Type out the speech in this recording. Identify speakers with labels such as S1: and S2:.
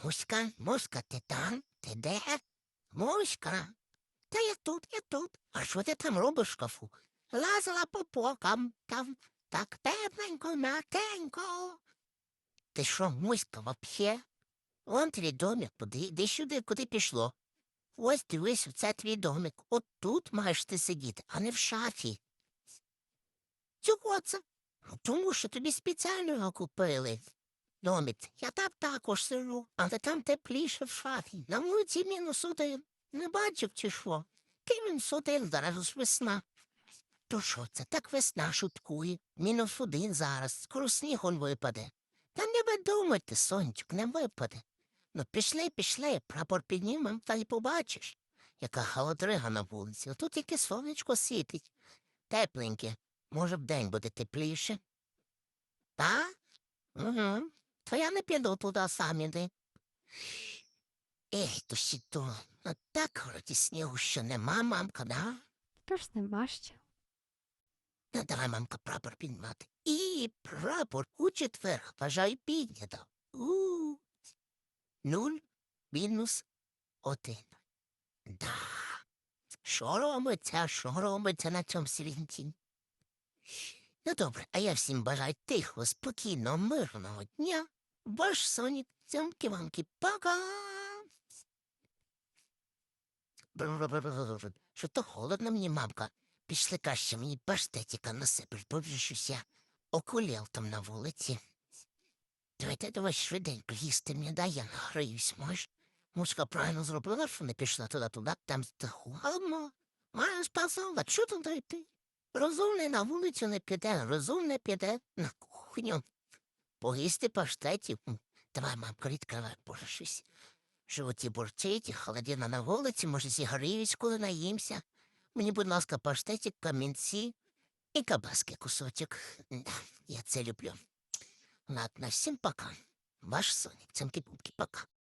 S1: Муська, ти там? Ти де? Муська. Та я тут, я тут. А що ти там робиш в шкафу? Лазила по полкам, там так темненько, м'якенько. Ти що, Муська, вообще? Вон твій домик, іди сюди, куди пішло. Ось дивись, це твій домик. От тут маєш ти сидіти, а не в шафі. Чого це? Тому що тобі спеціально його купили. Домик, я там також сижу, але там тепліше в шафі. На вулиці -1. Не бачив, чи що? -1, зараз ж весна. То що це, так весна шуткує. -1 зараз, скоро сніг он випаде. Та не видумайте, сонечок, не випаде. Ну пішли, прапор піднімем, та й побачиш, яка холодрига на вулиці. Отут тільки сонечко світить. Тепленьке. Може, вдень буде тепліше? Та? Угу. То я не піду туди сам іди. Ей, то ще то. Ну так вроді снігу ще нема, мамка, да?
S2: Тож нема ще.
S1: Ну, давай, мамка, прапор піднімати. І прапор у четвер, бажаю піднято. 0-1. Да. Що робиться на цьому світі? Ну, добре, а я всім бажаю тихого, спокійного, мирного дня. Ваш Сонік, цямки-вамки, пока! Що то холодно мені, мамка. Пішли краще мені паштетіка насипеш, бо вже щось я окулєл там на вулиці. Давай швиденько їсти мені, дай я награюсь, можеш? Мушка правильно зробила, що не пішла туди, там холодно. Маю спасала, що туди йти? Розумний на вулицю не піде, розумний піде на кухню. Поїсти паштетів. Давай, мамка, відкривай, боже, щось. В животі бурчить, холодина на вулиці, може, зігріюсь, коли наїмся. Мені, будь ласка, паштетик, камінці і кабаски кусочок. Да, я це люблю. Ладно, всім пока. Ваш Сонік, цимки-пумки, пока.